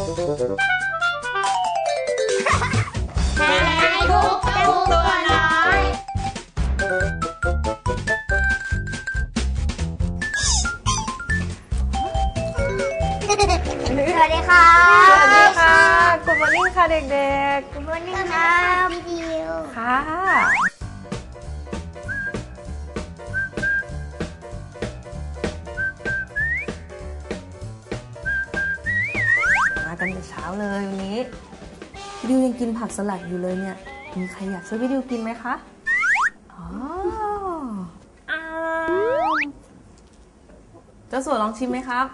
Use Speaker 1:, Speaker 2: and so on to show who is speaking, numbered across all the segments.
Speaker 1: ทุกตัวน้อย
Speaker 2: สวัสดีค่ะ
Speaker 1: สวัสดีค่ะ Good morning ค่ะเด็กๆ
Speaker 2: Good morning ครับพี่ดิว
Speaker 1: ค่ะมากันแต่เช้าเลยวันนี้พี่ดิวยังกินผักสลัดอยู่เลยเนี่ยมีใครอยากช่วยพี่ดิวกินไหมคะอ๋อเจ้าสัวลองชิมไหมครับ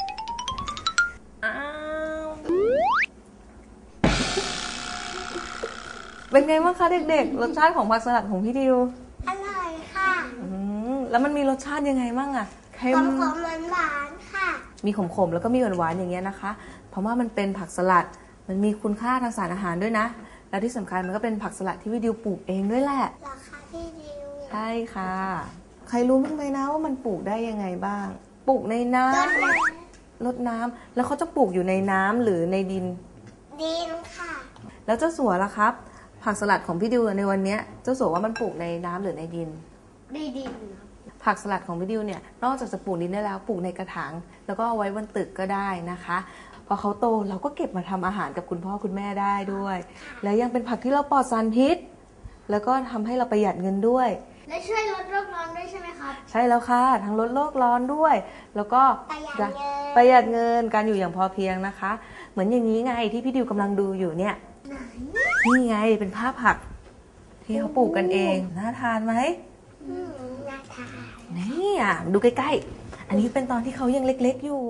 Speaker 1: เป็นไงบ้างคะเด็กๆรสชาติของผักสลัดของพี่ดิว
Speaker 2: อร่อยค่ะ
Speaker 1: แล้วมันมีรสชาติยังไงบ้างอะเค็ม
Speaker 2: ขมๆหวานๆค่ะ
Speaker 1: มีขมๆแล้วก็มีหวานๆอย่างเงี้ยนะคะเพราะว่ามันเป็นผักสลัดมันมีคุณค่าทางสารอาหารด้วยนะแล้วที่สำคัญมันก็เป็นผักสลัดที่พี่ดิวปลูกเองด้วยแหละ
Speaker 2: เหรอคะพี่ดิว
Speaker 1: ใช่ค่ะใครรู้บ้างไหมนะว่ามันปลูกได้ยังไงบ้างปลูกในน้ำรดน้ำแล้วเขาจะปลูกอยู่ในน้ำหรือในดิน
Speaker 2: ค่ะ
Speaker 1: แล้วเจ้าสัวล่ะครับผักสลัดของพี่ดิวในวันนี้เจ้าสัวว่ามันปลูกในน้ำหรือในดิน
Speaker 2: ในดิน
Speaker 1: ผักสลัดของพี่ดิวเนี่ยนอกจากจะปลูกดินได้แล้วปลูกในกระถางแล้วก็เอาไว้บนตึกก็ได้นะคะพอเขาโตเราก็เก็บมาทำอาหารกับคุณพ่อคุณแม่ได้ด้วยแล้วยังเป็นผักที่เราปลอดสารพิษแล้วก็ทำให้เราประหยัดเงินด้วย
Speaker 2: และช่วยลดโลกร้อนด้วยใช่ไหมครับ
Speaker 1: ใช่แล้วค่ะทั้งลดโลกร้อนด้วยแล้วก็
Speaker 2: ประหยัดเงิน
Speaker 1: การอยู่อย่างพอเพียงนะคะเหมือนอย่างนี้ไงที่พี่ดิวกำลังดูอยู่เนี่ยนี่ไงเป็นภาพผักที่เขาปลูกกันเองน่าทานไหม
Speaker 2: น่าทาน
Speaker 1: นี่ดูใกล้ๆอันนี้เป็นตอนที่เขายังเล็กๆอยู่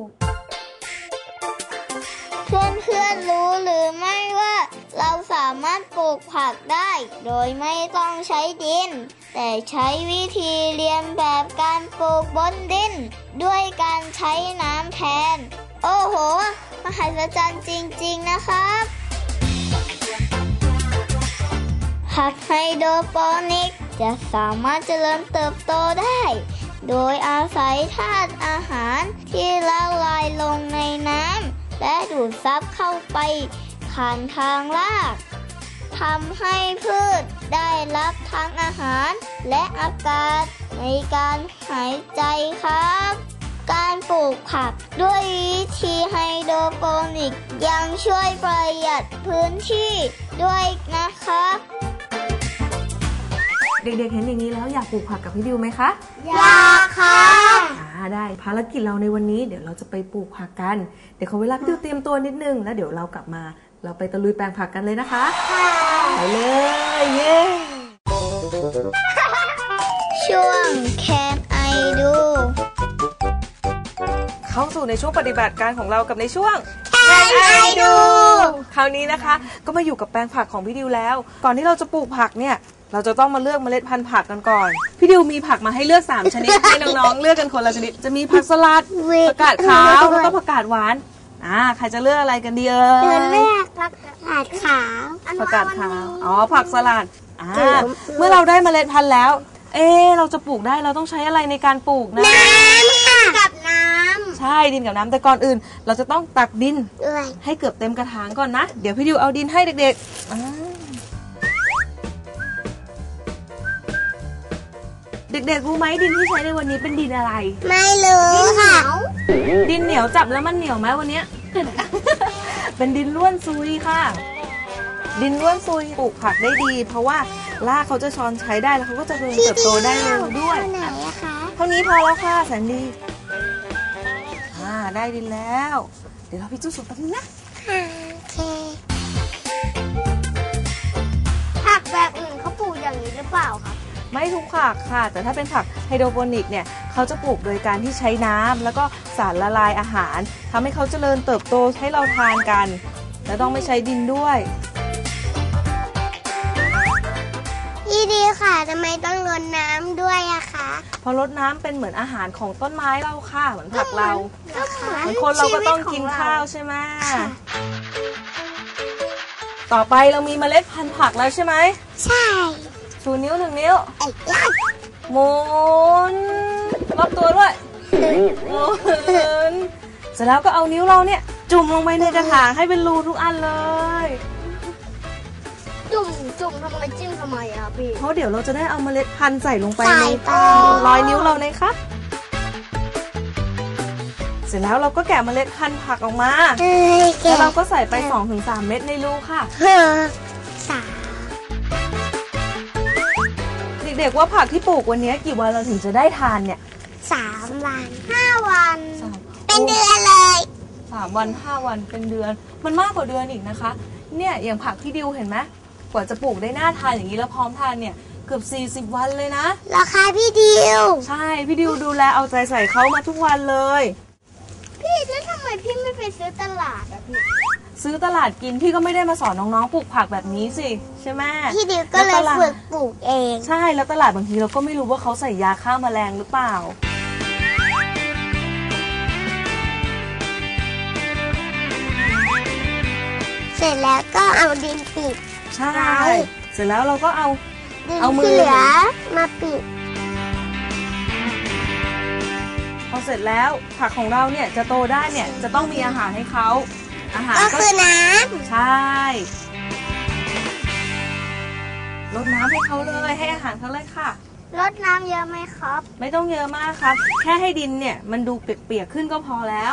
Speaker 2: เพื่อนๆรู้หรือไม่ว่าเราสามารถปลูกผักได้โดยไม่ต้องใช้ดินแต่ใช้วิธีเรียนแบบการปลูกบนดินด้วยการใช้น้ำแทนโอ้โหมหัศจรรย์จริงๆนะครับผักไฮโดรโปนิกจะสามารถเจริญเติบโตได้โดยอาศัยธาตุอาหารที่ละลายลงในน้ำและดูดซับเข้าไปผ่านทางรากทำให้พืชได้รับทั้งอาหารและอากาศในการหายใจครับการปลูกผักด้วยวิธีไฮโดรโปนิกยังช่วยประหยัดพื้นที่ด้วยนะครับ
Speaker 1: เด็กๆเห็นอย่างนี้แล้วอยากปลูกผักกับพี่ดิวไหมคะ
Speaker 2: อยากค่ะ
Speaker 1: ได้ภารกิจเราในวันนี้เดี๋ยวเราจะไปปลูกผักกันเดี๋ยวขอเวลาพี่ดิวเตรียมตัวนิดนึงแล้วเดี๋ยวเรากลับมาเราไปตะลุยแปลงผักกันเลยนะคะไปเลยเย้
Speaker 2: ช่วง Can I Do
Speaker 1: เข้าสู่ในช่วงปฏิบัติการของเรากับในช่วง
Speaker 2: Can I Do
Speaker 1: คราวนี้นะคะก็มาอยู่กับแปลงผักของพี่ดิวแล้วก่อนที่เราจะปลูกผักเนี่ยเราจะต้องมาเลือกเมล็ดพันธุ์ผักกันก่อนพี่ดิวมีผักมาให้เลือก3ชนิดให้น้องๆเลือกกันคนละชนิดจะมีผักสลัดผักกาดขาวแล้วก็ผักกาดหวานใครจะเลือกอะไรกันดีเ
Speaker 2: ลือกผักกาดขาว
Speaker 1: ผักกาดขาวผักสลัดเมื่อเราได้เมล็ดพันธุ์แล้วเราจะปลูกได้เราต้องใช้อะไรในการปลูกนะ
Speaker 2: น้ำค่ะกับน้ำ
Speaker 1: ใช่ดินกับน้ำแต่ก่อนอื่นเราจะต้องตักดินให้เกือบเต็มกระถางก่อนนะเดี๋ยวพี่ดิวเอาดินให้เด็กๆเด็กๆรู้ไหมดินที่ใช้ในวันนี้เป็นดินอะไร
Speaker 2: ไม่รู้ค่ะ
Speaker 1: ดินเหนียวจับแล้วมันเหนียวไหมวันนี้ เป็นดินร่วนซุยค่ะดินร่วนซุยปลูกผักได้ดีเพราะว่ารากเขาจะช้อนใช้ได้แล้วเขาก็จะเติบโตได้เร็วด้วยเท่านี้พอแล้วค่ะแสนดีได้ดินแล้วเดี๋ยวเราไปจุดสูบกันนะ
Speaker 2: โอเคผักแบบอื่นเขาปลูกอย่างนี้หรือเปล่าคะ
Speaker 1: ไม่ทุกผักค่ะแต่ถ้าเป็นผักไฮโดรโปนิกเนี่ยเขาจะปลูกโดยการที่ใช้น้ำแล้วก็สารละลายอาหารทำให้เขาเจริญเติบโตให้เราทานกันและต้องไม่ใช้ดินด้วย
Speaker 2: ดีค่ะทำไมต้องรดน้ำด้วยอะคะ
Speaker 1: เพราะรดน้ำเป็นเหมือนอาหารของต้นไม้เราค่ะเหมือนผักเราเหมือนคนเราก็ต้องกินข้าวใช่ไหมต่อไปเรามีเมล็ดพันธุ์ผักแล้วใช่ไหม
Speaker 2: ใช่
Speaker 1: ชูนิ้ว1 นิ้วหมุนรอบตัวด้วยหมุนเสร็จแล้วก็เอานิ้วเราเนี่ยจุ่มลงไปในกระถางให้เป็นรูทุกอันเลย
Speaker 2: จุ่มทำไมจิ้มทำไมอะพี่
Speaker 1: เพราะเดี๋ยวเราจะได้เอาเมล็ดพันธุ์ใส่ลงไป
Speaker 2: ใส่
Speaker 1: ใน
Speaker 2: ไป
Speaker 1: รอยนิ้วเรานะคะเสร็จแล้วเราก็แกะเมล็ดพันธุ์ผักออกมาแล้วเราก็ใส่ไป 2-3 เม็ดในรูค่ะ เด็กๆว่าผักที่ปลูกวันนี้กี่วันเราถึงจะได้ทานเนี่ย
Speaker 2: 3 วัน 5 วัน
Speaker 1: เป็นเดือน
Speaker 2: เลย
Speaker 1: 3 วัน 5 วันเป็นเดือนมันมากกว่าเดือนอีกนะคะเนี่ยอย่างผักพี่ดิวเห็นไหมกว่าจะปลูกได้น่าทานอย่างนี้แล้วพร้อมทานเนี่ยเกือบ40 วันเลยนะ
Speaker 2: ราคาพี่ดิว
Speaker 1: ใช่พี่ดิวดูแลเอาใจใส่เขามาทุกวันเลย
Speaker 2: พี่แล้วทำไมพี่ไม่ไปซื้อตลาดอะพี่
Speaker 1: ซื้อตลาดกินพี่ก็ไม่ได้มาสอนน้องๆปลูกผักแบบนี้สิใช่ไหม
Speaker 2: พี่ดิวก็เลยฝึกปลูกเอง
Speaker 1: ใช่แล้วตลาดบางทีเราก็ไม่รู้ว่าเขาใส่ยาฆ่าแมลงหรือเปล่า
Speaker 2: เสร็จแล้วก็เอาดินปิด
Speaker 1: ใช่เสร็จแล้วเราก็เอา
Speaker 2: ดิน
Speaker 1: เอามือ
Speaker 2: ที่เหลือมาปิด
Speaker 1: พอเสร็จแล้วผักของเราเนี่ยจะโตได้เนี่ยจะต้องมีอาหารให้เขาอาหาร
Speaker 2: ก็คือน้
Speaker 1: ใช่รดน้ำให้เขาเลยให้อาหารเขาเลยค่ะ
Speaker 2: ำรดน้ำเยอะไหมครับ
Speaker 1: ไม่ต้องเยอะมากครับ แค่ให้ดินเนี่ยมันดูเปียกๆขึ้นก็พอแล้ว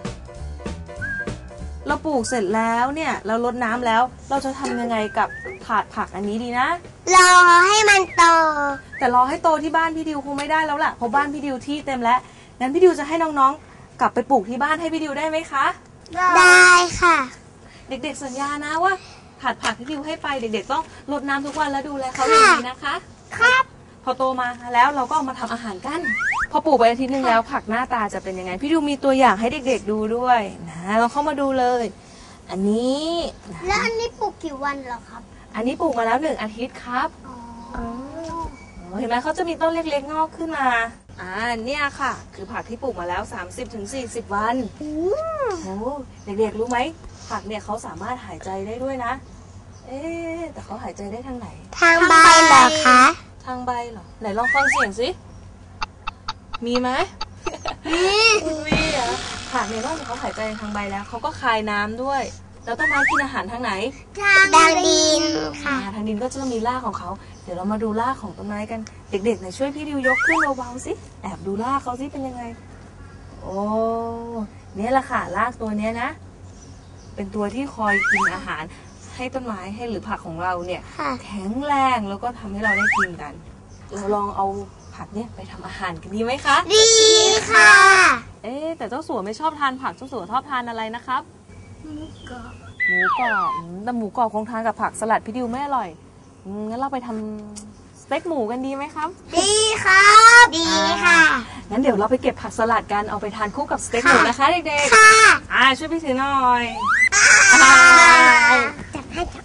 Speaker 1: เราปลูกเสร็จแล้วเนี่ยเรารดน้ำแล้วเราจะทำยังไงกับถาดผักอันนี้ดีนะ
Speaker 2: รอให้มันโต
Speaker 1: แต่รอให้โตที่บ้านพี่ดิวคงไม่ได้แล้วล่ะเพราะบ้านพี่ดิวที่เต็มแล้วงั้นพี่ดิวจะให้น้องๆกลับไปปลูกที่บ้านให้พี่ดิวได้ไหมคะ
Speaker 2: ได้ค่ะ
Speaker 1: เด็กๆสัญญานะว่าถาดผักที่ดิวให้ไปเด็กๆต้องรดน้ำทุกวันแล้วดูแลเขาอย่างดีนะคะ
Speaker 2: ครับ
Speaker 1: พอโตมาแล้วเราก็เอามาทำอาหารกันพอปลูกไปอาทิตย์นึงแล้วผักหน้าตาจะเป็นยังไงพี่ดิวมีตัวอย่างให้เด็กๆดูด้วยนะเราเข้ามาดูเลย อันนี้นะ
Speaker 2: แล้วอันนี้ปลูกกี่วันเหรอครับ
Speaker 1: อันนี้ปลูกมาแล้ว1 อาทิตย์ครับ
Speaker 2: อ๋อ
Speaker 1: เห็นไหมเขาจะมีต้นเล็กๆงอกขึ้นมาเนี่ยค่ะคือผักที่ปลูกมาแล้ว 30-40 วันโอ้เด็กๆรู้ไหมผักเนี่ยเขาสามารถหายใจได้ด้วยนะแต่เขาหายใจได้ทางไหน
Speaker 2: ทางใบเหรอคะ
Speaker 1: ทางใบเหรอไหนลองฟังเสียงสิมีไหมมีเหรอผักเนี่ยนอกจากเขาหายใจทางใบแล้วเขาก็คายน้ำด้วยแล้วต้นไม้กินอาหารทางไหน
Speaker 2: ทางดินค่ะ
Speaker 1: ทางดินก็จะมีรากของเขาเดี๋ยวเรามาดูรากของต้นไม้กันเด็กๆไหนช่วยพี่ดิวยกขึ้นเบาๆสิแอบดูรากเขาสิเป็นยังไงโอ้เนี่ยแหละค่ะรากตัวเนี้ยนะเป็นตัวที่คอยกินอาหารให้ต้นไม้ให้หรือผักของเราเนี่ย
Speaker 2: ค่ะ
Speaker 1: แข็งแรงแล้วก็ทำให้เราได้กินกันเราลองเอาผักเนี่ยไปทำอาหารกันดีไหมคะ
Speaker 2: ดีค่ะ
Speaker 1: แต่เจ้าสัวไม่ชอบทานผักเจ้าสัวชอบทานอะไรนะครับ หมูกรอบแต่หมูกรอบคงทานกับผักสลัดพี่ดิวไม่อร่อยงั้นเราไปทำสเต็กหมูกันดีไหมครับ
Speaker 2: ดีครับ ดีค่ะ
Speaker 1: งั้นเดี๋ยวเราไปเก็บผักสลัดกันเอาไปทานคู่กับสเต็กหมูนะคะเด็ก
Speaker 2: ค่ะ
Speaker 1: ๆช่วยพี่ถือหน่อย
Speaker 2: จับให้จับ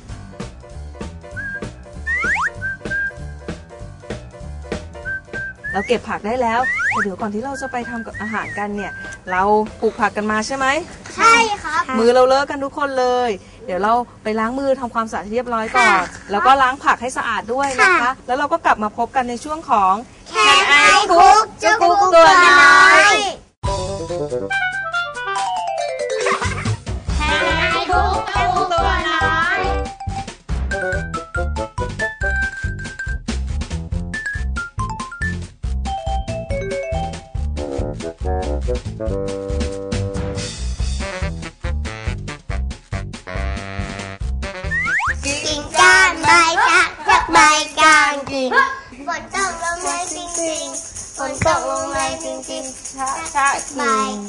Speaker 1: เราเก็บผักได้แล้วแต่เดี๋ยวก่อนที่เราจะไปทำกับอาหารกันเนี่ยเราปลูกผักกันมาใช่ไหม
Speaker 2: ใช่ครับ
Speaker 1: มือเราเลอะกันทุกคนเลย เดี๋ยวเราไปล้างมือทำความสะอาดเรียบร้อยก่อน
Speaker 2: ค่ะ
Speaker 1: แล้วก็ล้างผักให้สะอาดด้วยนะคะ
Speaker 2: ค่ะ
Speaker 1: แล้วเราก็กลับมาพบกันในช่วงของ
Speaker 2: Can I cook เจ้ากุ๊กตัวน้อย Can I cook เจ้ากุ๊กตัวน้อย กิ่งก้านใบจากใบกลางกิ่งฝนตกลงมาจริงๆฝนตกลงมาจริงๆ
Speaker 1: ชะ
Speaker 2: ใบ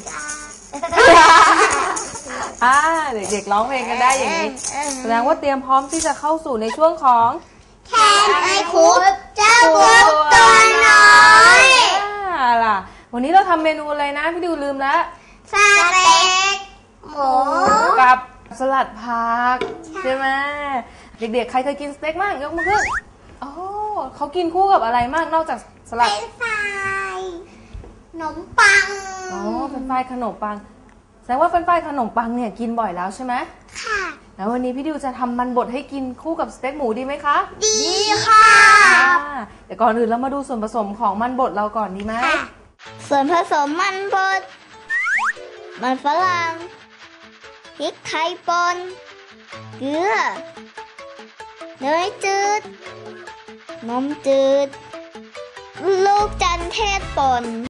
Speaker 1: กิ่งเด็กๆร้องเพลงกันได้อย่างนี้แสดงว่าเตรียมพร้อมที่จะเข้าสู่ในช่วงของ
Speaker 2: Can I cook เจ้ากุ๊กตัวน้อย
Speaker 1: ล่ะวันนี้เราทำเมนูอะไรนะพี่ดิวลืมแล้ว
Speaker 2: สเต็กหมู
Speaker 1: กับสลัดผักใช่ไหมเด็กๆใครเคยกินสเต็กบ้างยกมือขึ้นโอ้เขากินคู่กับอะไรมากนอกจากสลัด
Speaker 2: เป็นไฟขนมปัง
Speaker 1: เป็นไฟขนมปังแสดงว่าเป็นไฟขนมปังเนี่ยกินบ่อยแล้วใช่ไหม
Speaker 2: ค่ะ
Speaker 1: แล้ววันนี้พี่ดิวจะทำมันบดให้กินคู่กับสเต็กหมูดีไหมคะ
Speaker 2: ดีค่ะ
Speaker 1: เดี๋ยวก่อนอื่นเรามาดูส่วนผสมของมันบดเราก่อนดีไหม
Speaker 2: ส่วนผสมมันบดมันฝรั่งพริกไทยป่นเกลือเนยจืดนมจืดลูกจันเทศป่น